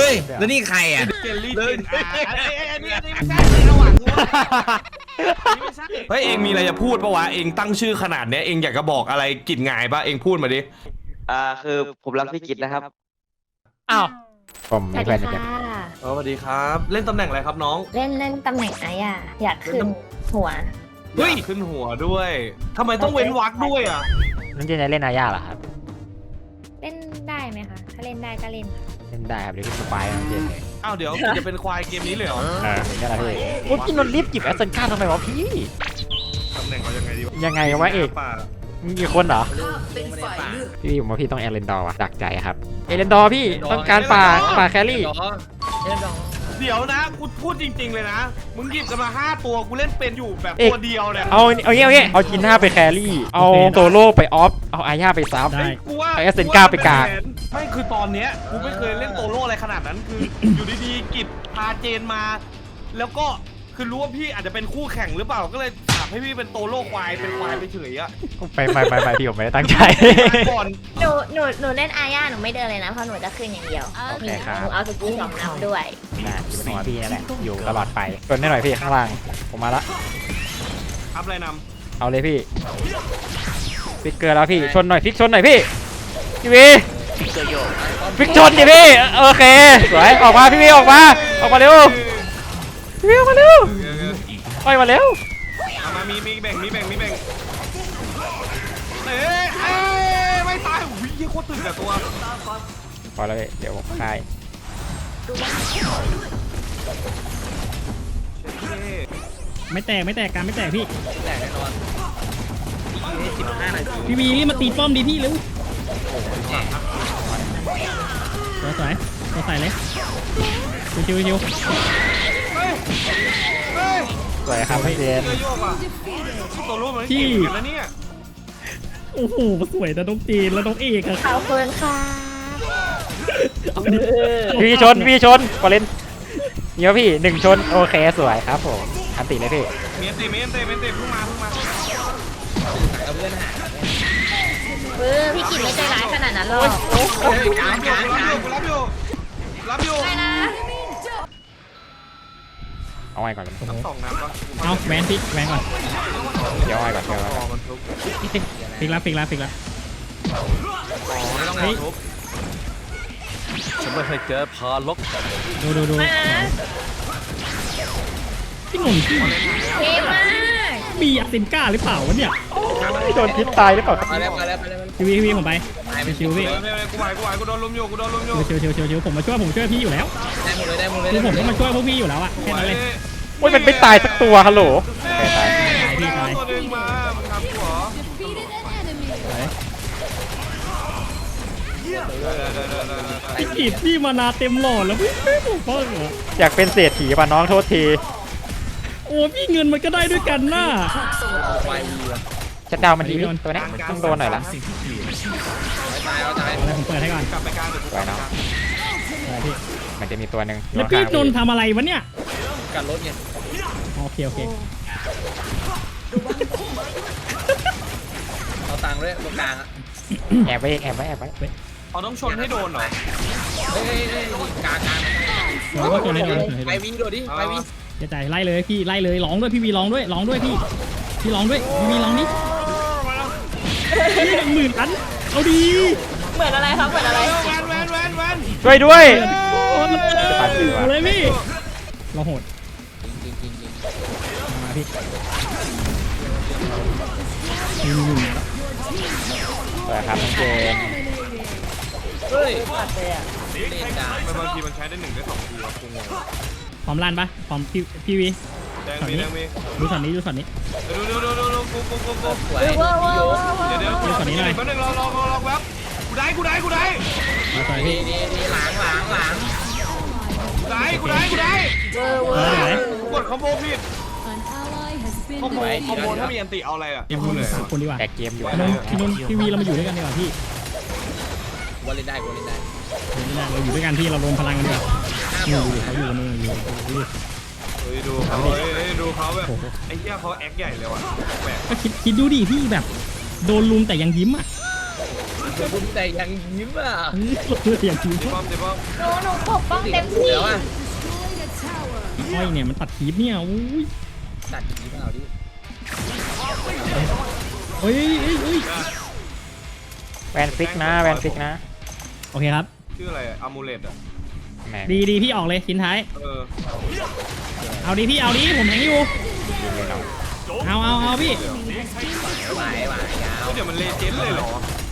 ฮ้ยแล้วนี่ใครอ่ะเจลลี่เจนอันนี้ไม่ใช่ระหว่างกูไม่ใช่เฮ้ยเองมีอะไรจะพูดปะวะเองตั้งชื่อขนาดเนี้ยเองอยากจะบอกอะไรกิจงายปะเองพูดมาดิคือผมรักพี่กิตนะครับอ้าวผมสมีวัสเพื่ดีอนเหมือนกันค่ะสวัสดีครับเล่นตำแหน่งอะไรครับน้องเล่นตำแหน่งไอ้อะอยากขึ้นหัวเฮ้ยขึ้นหัวด้วยทำไมต้องเว้นวรรคด้วยอ่ะนั่นจะเล่นอาญาเหรอครับเล่นได้ไหมคะ ถ้าเล่นได้ก็เล่นค่ะเล่นได้ครับเดี๋ยวพี่สปายน้องเจนเลยอ้าวเดี๋ยวจะเป็นควายเกมนี้เลยเหรอนี่แหละพี่โอ้พี่นนท์รีบจิบแอสเซนก้าทำไมวะพี่ตำแหน่งเขายังไงดียังไงวะเอกป่ามีคนเหรอพี่ผมว่าพี่ต้องเอเลนดอร์ว่ะดักใจครับเอเลนดอร์พี่ต้องการป่าแครี่เดี๋ยวนะกูพูดจริงๆเลยนะมึงหยิบกันมา5ตัวกูเล่นเป็นอยู่แบบตัวเดียวเนี่ยเอางี้เอาจินห้าไปแครี่เอาโซโล่ไปออฟเอาอาญาไปซับกูว่าเอาเอสเซนก้าไปกากไม่คือตอนเนี้ยกูไม่เคยเล่นโตโร่อะไรขนาดนั้นคือ อยู่ดีๆกิจพาเจนมา แล้วก็คือรู้ว่าพี่อาจจะเป็นคู่แข่งหรือเปล่าก็เลยถามให้พี่เป็นโตโร่ควายเป็นควายไปเฉยอะไปพี่ผมไม่ได้ตั้งใจก่อนหนูเล่นอาญาหนูไม่เดินเลยนะเพราะหนูจะขึ้นอย่างเดียวโอเคครับหนูเอาสกิลสองนับด้วยน่าอยู่บนหัวพี่นั่นแหละอยู่ตลอดไปชนได้หน่อยพี่ข้างล่างผมมาละอัพอะไรนเอาเลยพี่ฟิกเกอร์แล้วพี่ชนหน่อยฟิกชนหน่อยพี่พี่วีฟิกชนดิพี่โอเคสวยออกมาพี่วีออกมาเร็วำพี่วีออกมาเร็วไปมาเร็วเอามามีแบ่งเอ้ยไม่ตายวิ่งโคตรตึงกับตัวพอแล้วพี่เดี๋ยวผมคลายไม่แตกการไม่แตกพี่พี่วีรีบมาตีป้อมดีพี่เร็วสวยเลยชิวสวยครับพี่เจนเยอะโยกอ่ะตัวรู้มันเก่งเหมือนกันนะเนี่ยโอ้โหสวยแต่น้องจีนแล้วน้องเอกอะขอบคุณค่ะพี่ชนกอเล่นเดี๋ยวพี่1ชนโอเคสวยครับผมอันติเลยพี่เมียนเตเพิ่งมาพี่กินไม่ใจร้ายขนาดนั้นหรอกรับอยู่ได้นะเอาไว้ก่อนเลย 2นัดปะเอาแวนพี่แวนก่อนเดี๋ยวเอาไว้ก่อนมันทุบฟิกแล้วไม่ต้องมาทุบฉันไม่เคยเจอพาล็อกดูมานะพี่หนุ่มพี่เท่มากมีอาเซนก้าหรือเปล่าวะเนี่ยโดนพิษตายหรือเปล่าพี่วีผมไปชิวพี่กูโดนลุมอยู่ชิวผมมาช่วยพี่อยู่แล้วคือผมก็มาช่วยพวกพี่อยู่แล้วอะแค่นั้นเลยโอ้ยมันไม่ตายสักตัวฮัลโหลตัวนึงมามึงทำกูเหรอพี่กีดพี่มานาเต็มหลอดแล้วพี่ไม่ถูกต้องเหรออยากเป็นเศรษฐีป่ะน้องโทษทีโอ้พี่เงินมันก็ได้ด้วยกันน่ะชัดดาวมันดีตัวนี้ต้องโดนหน่อยละอะไรผมเปิดให้ก่อนกลับไปกลางเดี๋ยวกูสวยน้องอะไรพี่มันจะมีตัวหนึ่งแล้วพี่นนท์ทำอะไรวะเนี่ยกันรถไงโอเคเอาตังค์ด้วยตรงกลางอ่ะแอบไว้เขาต้องชนให้โดนเหรอเฮ้ยกลางเราก็ตัวนี้ดูไปวิ่งโดดดิไปวิ่งจะจ่ายไล่เลยพี่ไล่เลยร้องด้วยพี่วีร้องด้วยพี่ร้องด้วยพี่วีร้องนี่พี่10,000 อันเอาดีเหมือนอะไรครับเหมือนอะไรแวนช่วยด้วยโอ้เลยพี่เราโหดจริงมาพี่นี่สวยครับน้องเจนเฮ้ยบางทีมันใช้ได้1 ได้ 2 ทีวะกูงงพร้อมลั่นปะพร้อมพี่วีแดงมีดูช็อตนี้ดูกูสวยเดี๋ยวแป๊บนึงรอแป๊บกูได้มาต่อยพี่นี่หลังกูได้ไหนกดคอมโบผิดคอมโบถ้ามีอันติเอาอะไรอ่ะเดี๋ยวพูดเลยคนดีกว่าแตกเกมอยู่พี่นนท์พี่วีเรามาอยู่ด้วยกันดีกว่าพี่วันเล่นได้เราอยู่ด้วยกันพี่เรารวมพลังกันดีกว่าอยู่เขาอยู่นู่นอยู่ดูเขาแบบไอ้เหี้ยเขาแอคใหญ่เลยว่ะแปลกก็คิดดูดิพี่แบบโดนลุมแต่ยังยิ้มอ่ะคุณแต่ยังยิ้มอ่ะอย่างจริงเดี๋ยวป้อมเดี๋ยวป้อมหนูปกป้องเต็มที่เดี๋ยวอ่ะอ้อยเนี่ยมันตัดคลิปเนี่ยอุ้ยตัดยิ้มเอาดิเฮ้ยเฮ้ยแวนฟิกนะแวนฟิกนะโอเคครับชื่ออะไรอะอามูเลตอ่ะแหมดีพี่ออกเลยชิ้นท้ายเออเอาดิพี่เอาดิผมแทงอยู่ยิงเลยเนาะเอาพี่ไหวยาวเดี๋ยวมันเลเจนด์เลยเหรอ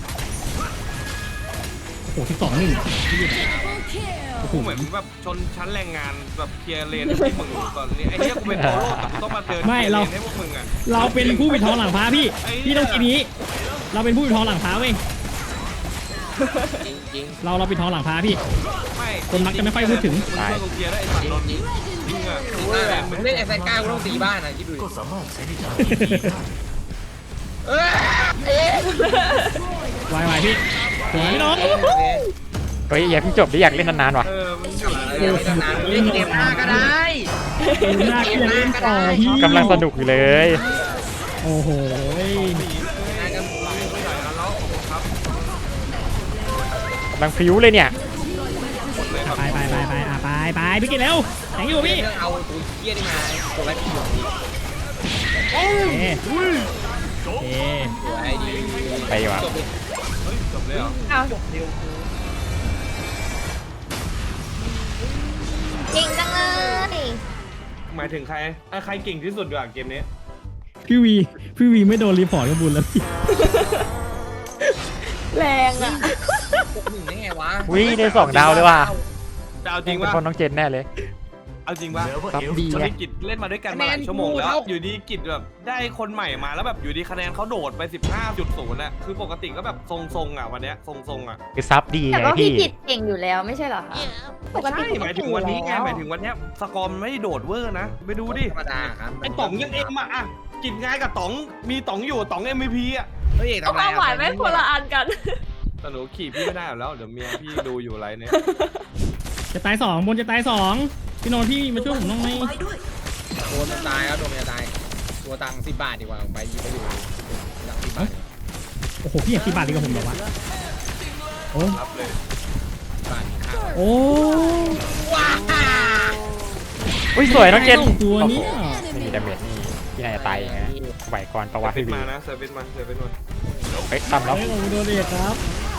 โอ้12-1โอ้โหกูเหมือนแบบชนชั้นแรงงานแบบเคลียร์เลนให้มึงตอนนี้ไอ้เนี่ยกูเป็นโตโร่แต่กูต้องมาเดินเคลียร์เลนให้พวกมึงอ่ะเราเป็นผู้ปิดทองหลังพระพี่ พี่ต้องคิดนี้ เราเป็นผู้ปิดทองหลังพระเว้ยจริงจริงเราปิดทองหลังพระพี่ไม่คนมักจะไม่ค่อยพูดถึงมึงช่วยกูเคลียร์ได้ไอ้สัตว์นนท์จริงอ่ะมึงเล่นไอ้ไซก้ากูต้องตีบ้านอ่ะคิดดูดิเอ้ยวายพี่สวยพี่น้องเฮ้ยอย่าเพิ่งจบดิอยากเล่นนานๆว่ะมันอยู่เดี๋ยวนานๆเล่นเกมหน้าก็ได้หน้าที่จะเล่นต่อพี่กำลังสนุกอยู่เลยโอ้โหหน้าก็ไหลไม่ไหวแล้วขอบคุณครับกำลังพริ้วเลยเนี่ยหมดเลยครับไปพี่กินเร็วแทงอยู่พี่เรื่องเอาตัวเหี้ยนี่มาตัวแรกที่อยู่นี่เอ๊ะตัวไอ้ดีไปดีกว่าจบเลยเฮ้ยจบเลยเหรอเอาเก่งจังเลยหมายถึงใครใครเก่งที่สุดดีกว่าเกมนี้พี่วีไม่โดนรีพอร์ตก็บุญแล้วพี่แรงอ่ะหนึ่งได้ไงวะวิได้2 ดาวเลยว่ะจะเอาจจริริงงเป็นว่าคนน้องเจนแน่เลยเอาจริงว่าซับดีตอนไงนี้กิจเล่นมาด้วยกันมาหลายชั่วโมงแล้วอยู่ดีกิจแบบได้คนใหม่มาแล้วแบบอยู่ดีคะแนนเขาโดดไป 15.0น่ะคือปกติก็แบบทรงๆอ่ะวันเนี้ยทรงๆอ่ะคือซับดีแต่ไงว่าพี่พี่กิจเก่งอยู่แล้วไม่ใช่เหรอคะปกติใช่หมายถึงวันนี้ไงหมายถึงวันเนี้ยสกอร์มันไม่ได้โดดเวอร์นะไปดูดิธรรมดาครับไอ้ต๋องยังเอ็มอ่ะกิจง่ายกับต๋องมีต๋องอยู่ต๋อง MVP อ่ะเฮ้ยทำไรความหมายไม่คนละอันกันแต่หนูขี่พี่ไม่ได้อยู่แล้วเดี๋ยวเมียพี่ดูอยู่ไรเนี่ยจะตาย2บนจะตาย2พี่โนนพี่มาช่วยผมน้องไหมตัวมันตายแล้วตัวมันจะตายตัวตังค์10 บาทดีกว่าไปยิงไปอยู่หลัง10 บาทโอ้โหพี่อยาก10 บาทดีกว่าผมเหรอวะโอ้รับเลยบาทข้าวโอ้ว้าอุ้ยสวยน้องเจนตัวโอ้นี้โหไม่มีดาเมจนี่พี่นายจะตายอย่างเงี้ยไหวก่อนประวัติเซอพี่ร์วิสวีมานะเซอร์วิสมาเซอร์วิสมาเฮ้ยตั้มแล้วเฮ้ยผมโดนเด็กครับ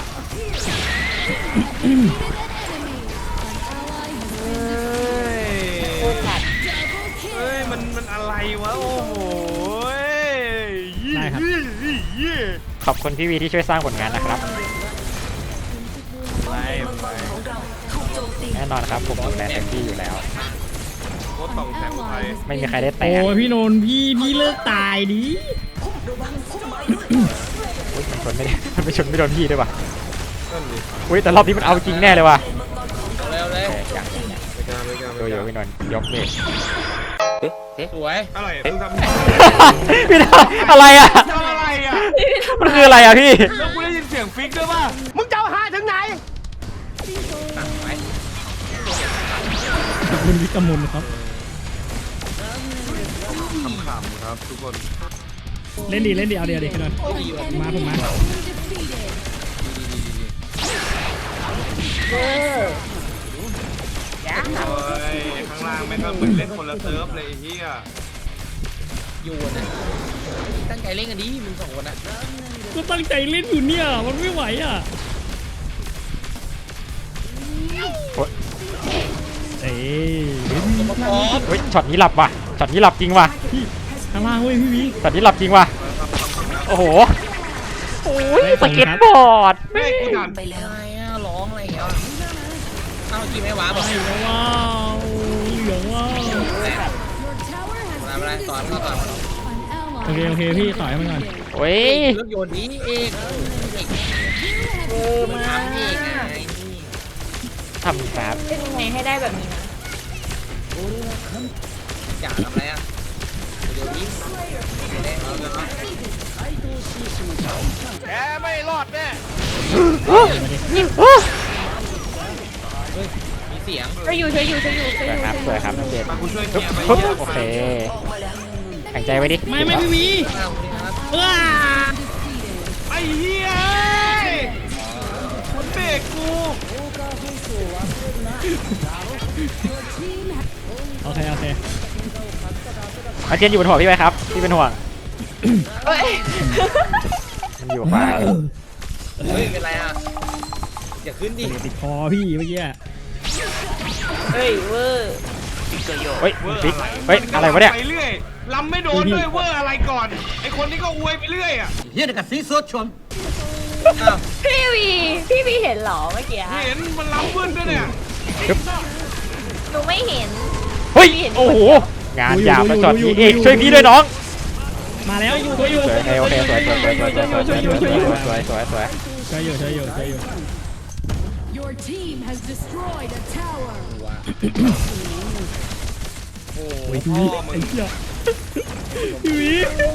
เฮ้ยมันอะไรวะโอ้โหได้ครับขอบคุณพี่วีที่ช่วยสร้างผลงานนะครับไปแน่นอนครับผมดูแลเต็มที่อยู่แล้วรถต่องแสงอุทัยไม่มีใครได้แตะโอ้ยพี่โนนพี่เลิกตายดิอุ๊ยมันชนไม่ได้ มันไม่ชนไม่โดนพี่ด้วยว่ะนั่นดิอุ้ยแต่รอบนี้มันเอาจริงแน่เลยว่ะเร็วเลยเอ้ยอย่างนี้เนี่ยไปกันไปกันดูอยู่พี่นนท์ยกเลยสวยอะไรเพิ่งทำพี่นนท์อะไรอ่ะทำอะไรอ่ะมันคืออะไรอ่ะพี่แล้วกูได้ยินเสียงฟิกด้วยป่ะมึงจะเอาหาถึงไหนตั้งไว้ขอบคุณวิกกมลครับขำๆครับทุกคนเล่นดีเอาเดี๋ยวพี่โนนมาผมมาโอ้ยข้างล่างแม่งก็เหมือนเล่นคนละเซิร์ฟเลยไอ้เหี้ยอยู่นะตั้งใจเล่นกันดิมึง2 คนอ่ะก็ตั้งใจเล่นอยู่เนี่ยมันไม่ไหวอ่ะโอ๊ยเอ้ยเฮ้ยช็อตนี้หลับว่ะช็อตนี้หลับจริงว่ะพี่ข้างล่างเว้ยพี่วิช็อตนี้หลับจริงว่ะโอ้โหโอ้ยสเก็ตบอร์ดแม่งกูด่านอะไรอ่ะร้องอะไรอย่างเงี้ยเอ้ากินไม่หวานบอกเหลืองว้าวเหลืองว้าวอะไรสอนเขาก่อนโอเคพี่ต่อยให้มันก่อนโอ้ยเลือกโยนนี้เองมันทำเองไงทำครับเป็นยังไงให้ได้แบบนี้นะจ่าทำอะไรอ่ะเดี๋ยวนี้เอาเลยนะแกไม่รอดแน่มีเสียงช่วยอยู่สวยครับน้องเจนมากูช่วยเคลียร์ไปปึ๊บเหี้ยโอเคหายใจไว้ดิไม่พี่วิเอาเลยครับว้าไอ้เหี้ยเบรกกูโอเคโอเคอาเจนอยู่บนหัวพี่ไหมครับพี่เป็นห่วงเฮ้ยมันอยู่ฟ้าเฮ้ยเป็นไรอ่ะอย่าขึ้นดิติดคอพี่เมื่อกี้เฮ้ยเวอร์เฮ้ยฟิกเฮ้ยอะไรวะเนี่ยไปเรื่อยลำไม่โดนด้วยเวอร์อะไรก่อนไอคนนี้ก็อวยไปเรื่อยอ่ะอ้าวพี่วีเห็นเหรอเมื่อกี้เห็นมันลำวืนด้วยเนี่ยหนูไม่เห็นเฮ้ยโอ้โหงานหยาบมาจอดพี่เอกช่วยพี่ด้วยน้องมาแล้วช่วยอยู่สวยโอเคสวยสวยสวยสวยสวยสวยสวยสวยสวยสวยช่วยอยู่ช่วยอยู่ช่วยอยู่ Your team has destroyed a tower. ว้าโอ้โอ้ยยพี่ไอ้เหี้ยพี่วิ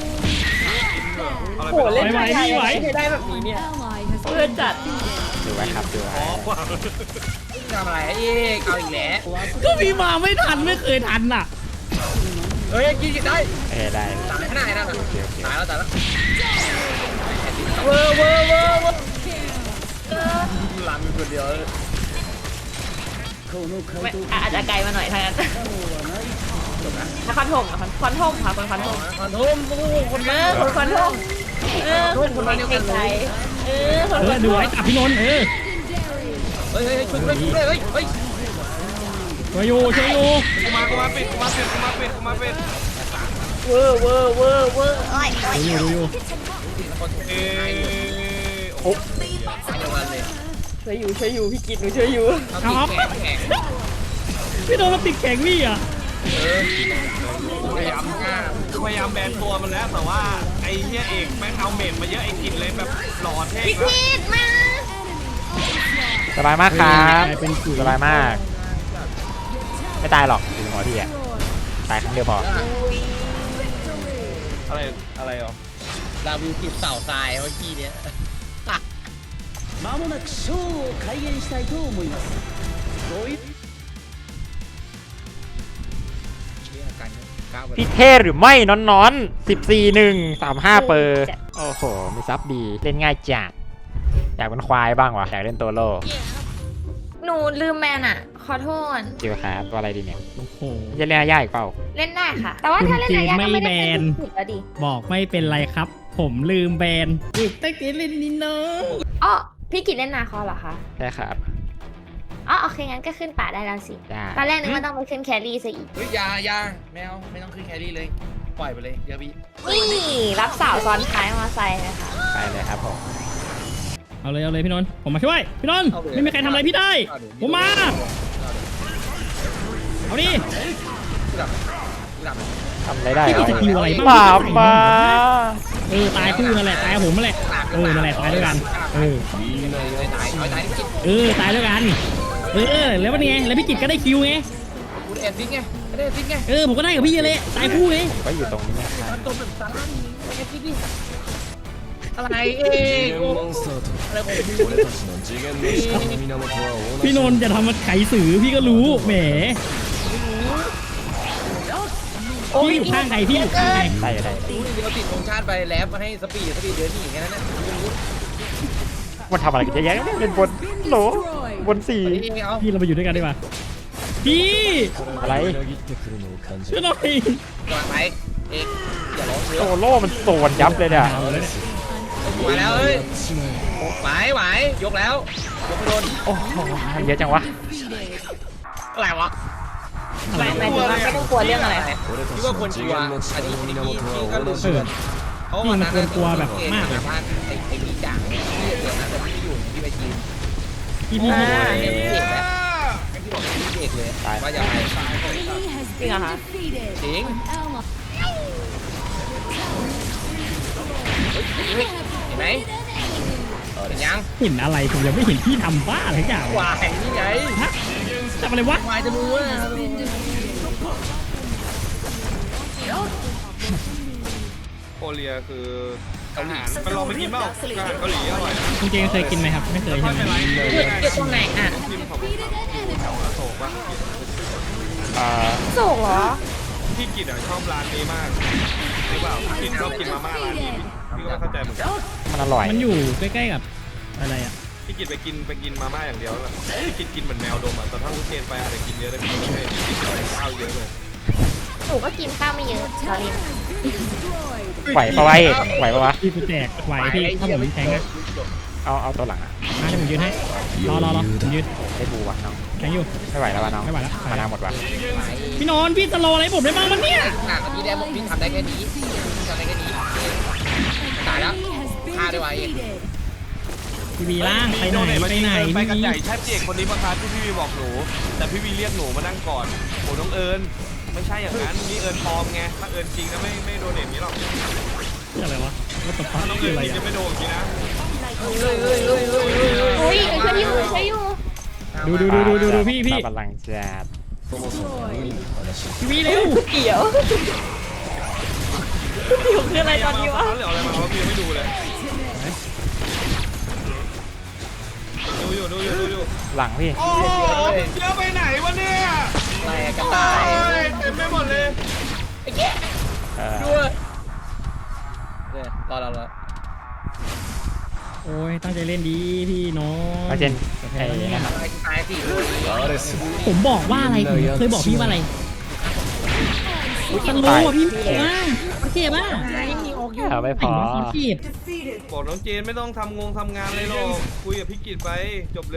อะไรโหไปเล่นไหวไทยไหวไม่ได้แบบนี้เนี่ย Ally has เพื่อนจัดดูไว้ครับดูไว้ทำอะไรเอ๊ะเอาอีกแล้วก็พี่มาไม่ทันไม่เคยทันอ่ะเฮ้ยกินได้ได้ตายขนาดนั้นตายแล้วตายแล้วเวอร์เวอร์เวอร์เวอร์ลำอยู่คนเดียวไม่อาจจะไกลมาหน่อยทางนั้นนครถมนครถมค่ะคนครถมคอนทุ่มโอ้คนเอมาอคนครถมคนมาเดียวกันเลยคนครถดูมไว้จับพี่นนท์เ legendary. ฮ้ยช่วยด้วยช่วยด้วยเฮ้ยช่วยอยู่ช่วยอยู่กูมาปิดกูมาปิดเวอร์เวอร์เวอร์เวอร์อ้อยดูอยู่เอ๊ะโอ้เดียวกันเลยช่วยอยู่พี่กิตหนูช่วยอยู่เอาตีแข็งพี่โดนมาติดแข่งพี่อ่ะพยายามฆ่าพยายามแบนตัวมันแล้วแต่ว่าไอ้เหี้ยเอกแม่งเอาเมนมาเยอะไอ้กินเลยแบบหล่อเท่พี่ครับกิตมาสบายมากครับเป็นกุยสบายมาก ไม่ตายหรอกถึงหัวพี่อะตายครั้งเดียวพออะไรอ่ะลาวิวคลิปเสาทรายเมื่อกี้เนี้ยまもなくショーを開演したいと思いますごいกันก้าวไปพี่เท่หรือไม่น้อน14-1-35 เปอร์โอ้โหมีซับดีเล่นง่ายจัดอยากเป็นควายบ้างวะอยากเล่นตัวโลหนูลืมแมนอ่ะ ขอโทษจิวครับตัวอะไรดีเนี่ยโอ้โหจะเล่นยากอีกเปล่าเล่นได้ค่ะ แต่ว่าถ้าเล่นระยะก็ไม่ได้เป็นผิดแล้วดิบอกไม่เป็นไรครับ ผมลืมแบนอีกตั้งแต่เล่นนี่เนาะอ๋อพี่กิตเล่นนาคอเหรอคะใช่ครับอ๋อโอเคงั้นก็ขึ้นป่าได้แล้วสิได้ตอนแรกนึกว่าต้องไปขึ้นแครี่ซะอีกเฮ้ยยาแมวไม่ต้องขึ้นแครี่เลยปล่อยไปเลยเดี๋ยวพี่นี่รับสาวซ้อนท้ายมอไซค์นะคะไปเลยครับผมเอาเลยพี่นนท์ผมมาช่วยพี่นนท์ไม่มีใครทำอะไรพี่ได้ ผมมาเอาดิทำอะไรได้พี่มีสกิลอะไรบ้างมามาตายคู่นั่นแหละตายกับผมนั่นแหละนั่นแหละตายด้วยกันตายกินตายด้วยกันแล้วเป็นไงแล้วพี่กิตก็ได้คิวไงกูได้แอนฟิกไงไม่ได้แอนฟิกไงผมก็ได้กับพี่เลยตายคู่ไงก็อยู่ตรงนี้นะครับมันตัวแบบสาระนี่แอนฟิกดิอะไรเองอะไรของพี่พี่นนท์จะทำมันไขสื่อพี่ก็รู้แหมพี่อยู่ข้างใครพี่อยู่ข้างใครได้ได้เดี๋ยวติดธงชาติไปแลบมาให้สปีดเดินหนีแค่นั้นนะมันทำอะไรกันเยอะแยะเล่นบนโหลบนสี่นี่เอาพี่เราไปอยู่ด้วยกันดีกว่าพี่อะไรช่วยหน่อยก่อนไปเอกอย่าร้องเยโซอะโล่มันโซนยับเลยเนี่ยเอาแล้วเนี่ยมาแล้วเฮ้ยไหวยกแล้วยกไปโดนโอ้โหเยอะจังวะอะไรวะหมายถึงว่าไม่ต้องกลัวเรื่องอะไรคิดว่าคนกลัวอันนี้ที่ก็รู้สึกเขาวันนั้นพันไอ้พี่จ่างที่เดี๋ยวนั้นแต่พี่อยู่ที่ไปจีนพี่พี่เด็กแล้วพี่บอกพี่เด็กเลยว่าอย่าไป Enemy has Jing been hả? defeated. Jing. An ally เห็นไหมเห็นยังเห็นอะไรผมยังไม่เห็นพี่ทำบ้าอะไรอย่างวายนี่ไงฮะทำอะไรวะวายจะรู้ว่าโคเรียคืออาหารไปลองไปกินเปล่าอาหารเกาหลีอร่อยคุณเจงเคยกินไหมครับไม่เคยไม่ใช่ไหมเป็นไรเกิดตรงไหนอ่ะกินของผมแถวอโศกป่ะโศกเหรอพี่กิตอ่ะชอบร้านนี้มากหรือเปล่าพี่ชอบกินมาม่าร้านนี้พี่ก็เข้าใจเหมือนกันมันอร่อยมันอยู่ใกล้ๆกับอะไรอ่ะพี่กินไปกินมาม่าอย่างเดียวแล้วกินเหมือนแมวดมอ่ะแต่ถ้าลูกเจนไปอาจจะกินเยอะได้พี่ไม่กินข้าวเยอะเลยหนูก็กินข้าวไม่เยอะตอนนี้ไหวปะวะเอกไหวปะวะพี่กูแจกไหวพี่ถ้าผมแทงอะเอาตัวหลังอะมาให้ผมยืนให้รอผมยืนให้บูว่ะน้องแทงอยู่ไม่ไหวแล้ววะน้องไม่ไหวแล้วมานาหมดว่ะพี่นนท์พี่สโลว์อะไรผมได้บ้างมันเนี่ยหนักพี่ได้พี่ทำได้แค่นี้ทำได้แค่นี้ตายแล้วฆ่าด้วยวะเองพี่วีล่างไปไหนไปพี่กันวีใหญ่แช่เจกคนนี้ประคาที่พี่วีบอกหนูแต่พี่วีเรียกหนูมานั่งก่อนโอ้น้องเอิญไม่ใช่อย่างนั้นนี่เอิญปลอมไงถ้าเอิญจริงนะไม่โดนเด็ดนี้หรอกนี่อะไรวะว่าตบถ้าน้องคืเอิอญอะไรจริงอะจะไม่โดนจริงนะอุ้ยช่วยอยู่ดูพี่ตาบัลลังก์จัดพี่วีเร็วเกี่ยวอยู่คืออะไรตอนนี้วะเหลืออะไรมาพี่ยังไม่ดูเลยดูอยู่หลังพี่โอ้เยอะไปไหนวะเนี่ยแตกกระต่ายเต็มไปหมดเลยเออด้วยรอโอ้ยตั้งใจเล่นดีพี่น้องเอาเจนไอ้นั่นอะตายสิผมบอกว่าอะไรผมเคยบอกพี่ว่าอะไรตันรู้อ่ะพี่ว่ามันเจ็บอ่ะเอาไม่พอมันเจ็บบอกน้องเจนไม่ต้องทำงานเลยหรอกคุยกับพี่กิตไปจบเลย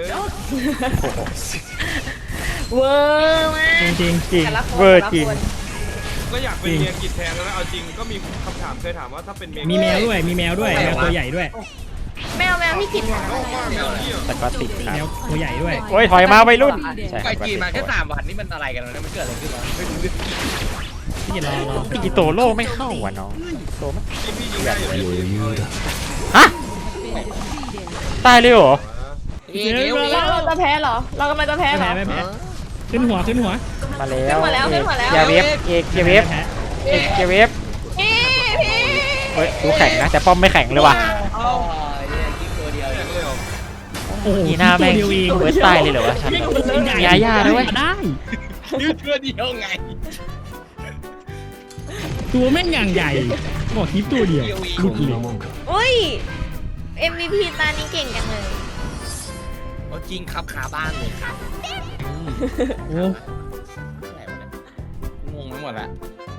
เวอร์มากจริงจริงแต่ละคนเวอร์จริงก็อยากเป็นเมียกิตแทนแล้วเอาจริงก็มีคำถามเคยถามว่าถ้าเป็นเมียๆมีแมวด้วยแมวตัวใหญ่ด้วยแมวที่กินหมาแต่ก็ติดครัแมวบตัวใหญ่ด้วยโอ้ยถอยมาวัยรุ่นใช่คไปรับจีนมาแค่3 วันนี่มันอะไรกันวะเนี่ยมันเกิดอะไรขึ้นวะไม่รู้เรื่องพี่รออีโตโร่ไม่เข้าว่ะน้องโตมันพี่ยิงได้อยู่ฮะตายเลยเหรอเราจะแพ้เหรอ เรากำลังจะแพ้เหรอไม่แพ้ขึ้นหัวมาแล้ขึ้นวหัวแล้วขึ้นหัวแล้วอย่าเวฟเอกอย่าเวฟแพ้เอกอย่าเวฟพี่เฮ้ยดูแข็งนะแต่ป้อมไม่แข็งเลยว่ะอ๋อเนี่ยยิงตัวเดียวเองเลยเหรอโอ้โหอีหน้าแม่งตัวเดียวเองเวิร์สตายเลยเหรอวะฉัน ยาย่าด้วยได้ยิงตัวเดียวไงตัวแม่งอย่างใหญ่บอกคลิปตัวเดียวลูกเลยอุ้ย MVP ตานี้เก่งจังเลยเอาจริงครับขาบ้านเลยครับโอ้งงไปหมดละ